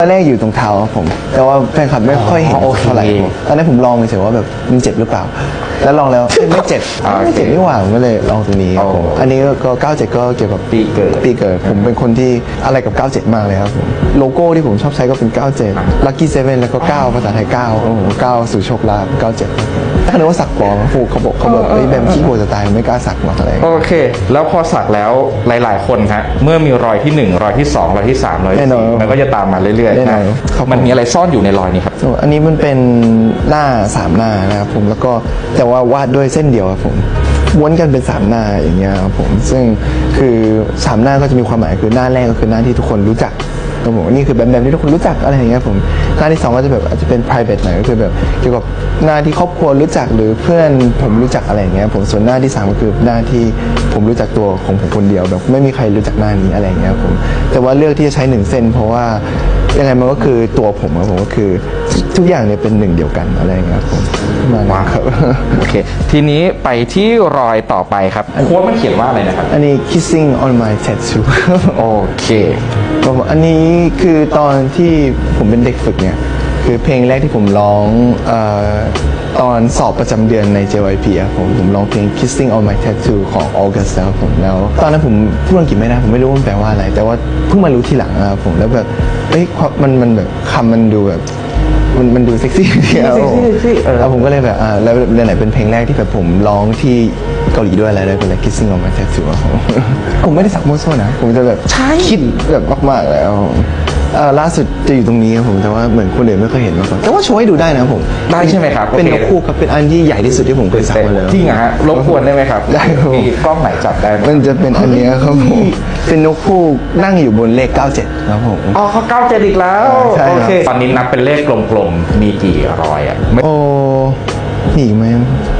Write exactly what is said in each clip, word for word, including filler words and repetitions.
ตอนแรกอยู่ตรงเท้าครับผมแต่ว่าแฟนคลับไม่ค่อยเห็นเท่าไหร่ตอนนั้นผมลองเฉยๆว่าแบบมันเจ็บหรือเปล่าแล้วลองแล้วไม่เจ็บไม่เจ็บนี่หว่าผมก็เลยลองตรงนี้ครับผมอันนี้ก็เก้าเจ็ดก็เกี่ยวกับปีเกิดปีเกิดผมเป็นคนที่อะไรกับเก้าเจ็ดมากเลยครับผมโลโก้ที่ผมชอบใช้ก็เป็นเก้าเจ็ด Lucky เซเว่นแล้วก็เก้าภาษาไทยเก้าครับผมเก้าสู่โชคลาภเก้าเจ็ดถ้านึกว่าสักปลอมฟูเขาบอกเขาบอกไอ้แบมขี้โกจะตายไม่กล้าสักหรอกอะไรโอเค แล้วพอสักแล้วหลายๆคนฮะเมื่อมีรอยที่หนึ่งรอยที่สองรอยที่สามรอยที่สี่มันก็จะตามมาเรื่อยๆนะมันมีอะไรซ่อนอยู่ในรอยนี้ครับอันนี้มันเป็นหน้าสามหน้านะครับผมแล้วก็แต่ว่าวาดด้วยเส้นเดียวครับผมม้วนกันเป็นสามหน้าอย่างเงี้ยครับผมซึ่งคือสามหน้าก็จะมีความหมายคือหน้าแรกก็คือหน้าที่ทุกคนรู้จักครับผมนี่คือแบบแบบที่ทุกคนรู้จักอะไรอย่างเงี้ยผมหน้าที่สองก็จะแบบอาจจะเป็น private หน่อยก็คือแบบเกี่ยวกับหน้าที่ครอบครัวรู้จักหรือเพื่อนผมรู้จักอะไรอย่างเงี้ยผมส่วนหน้าที่สามก็คือหน้าที่ผมรู้จักตัวของผมคนเดียวแบบไม่มีใครรู้จักหน้านี้อะไรอย่างเงี้ยผมแต่ว่าเลือกที่จะใช้หนึ่งเส้นเพราะว่ายังไงมันก็คือตัวผมครับผมก็คือทุกอย่างเนี่ยเป็นหนึ่งเดียวกันอะไรอย่างเงี้ยครับผมว้าวครับโอเคทีนี้ไปที่รอยต่อไปครับโค้ดมันเขียนว่าอะไรนะครับอันนี้ kissing on my tattoo โอเคอันนี้คือตอนที่ผมเป็นเด็กฝึกเนี่ยคือเพลงแรกที่ผมร้องเอ่อตอนสอบประจำเดือนใน เจ วาย พี ครับผมผมร้องเพลง Kissing on My Tattoo ของ August ครับผมแล้วตอนนั้นผมพูดอังกฤษไม่ได้ผมไม่รู้ว่ามันแปลว่าอะไรแต่ว่าเพิ่งมารู้ทีหลังนะครับผมแล้วแบบเอ้ยมันมันแบบคำมันดูแบบมันมันดูเซ็กซี่ดีครับผมแล้วผมก็เลยแบบอ่าแล้วเรื่องไหนเป็นเพลงแรกที่แบบผมร้องที่เกาหลีด้วยอะไรด้วยเป็นอะไร Kissing on My Tattoo ครับผมผมไม่ได้สักมั่วซั่วนะผมจะแบบคิดแบบมากๆแล้วล่าสุดจะอยู่ตรงนี้ครับผมแต่ว่าเหมือนคนอื่นไม่เคยเห็นมาก่อนแต่ว่าโชว์ให้ดูได้นะผมได้ใช่ไหมครับเป็นนกคู่ครับเป็นอันที่ใหญ่ที่สุดที่ผมเคยสักมาเลยจริงเหรอฮะรบกวนได้ไหมครับได้ครับมีกล้องไหนจับได้มันจะเป็นอันนี้ครับผมเป็นนกคู่นั่งอยู่บนเลขเก้าเจ็ดครับผมอ๋อเขาเก้าเจ็ดอีกแล้วโอเคตอนนี้นับเป็นเลขกลมๆมีกี่รอยอ่ะโอ้หนีไหม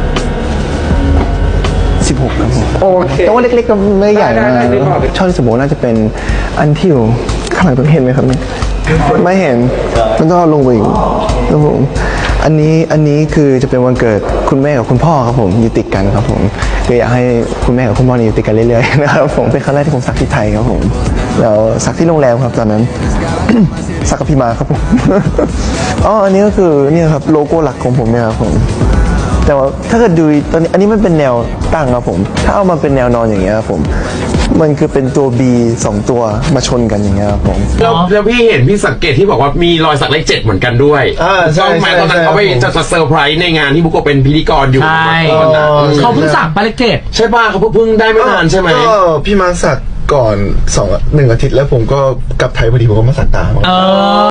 สิบหกครับผมโอเคแต่ว่าเล็กๆก็ไม่ใหญ่มากชอบที่สมมติน่าจะเป็นอันที่อยู่ข้างหลังต้องเห็นไหมครับเนี่ยไม่เห็นมันต้องเอาลงไปอีกครับผมอันนี้อันนี้คือจะเป็นวันเกิดคุณแม่กับคุณพ่อครับผมอยู่ติดกันครับผมคืออยากให้คุณแม่กับคุณพ่ออยู่ติดกันเรื่อยๆนะครับผมเป็นครั้งแรกที่ผมสักที่ไทยครับผมแล้วสักที่โรงแรมครับตอนนั้น สักกับพี่มาครับผมอ๋ออันนี้ก็คือนี่ครับโลโก้หลักของผมเนี่ยครับผมแต่ว่าถ้าเกิดดูตอนนี้อันนี้มันเป็นแนวตั้งครับผมถ้าเอามาเป็นแนวนอนอย่างเงี้ยครับผมมันคือเป็นตัว B สองตัวมาชนกันอย่างเงี้ยครับผมแล้วแล้วพี่เห็นพี่สังเกตที่บอกว่ามีรอยสักเลขเจ็ดเหมือนกันด้วยใช่ไหมตอนนั้นเขาไปจะเซอร์ไพรส์ในงานที่บุกโกเป็นพิธีกรอยู่ใช่เขาเพิ่งสักไปเลขเจ็ดใช่ป่ะเขาเพิ่งได้ไม่นานใช่ไหมก็พี่มาสักก่อนสองหนึ่งอาทิตย์แล้วผมก็กลับไทยพอดีผมก็มาสักตาม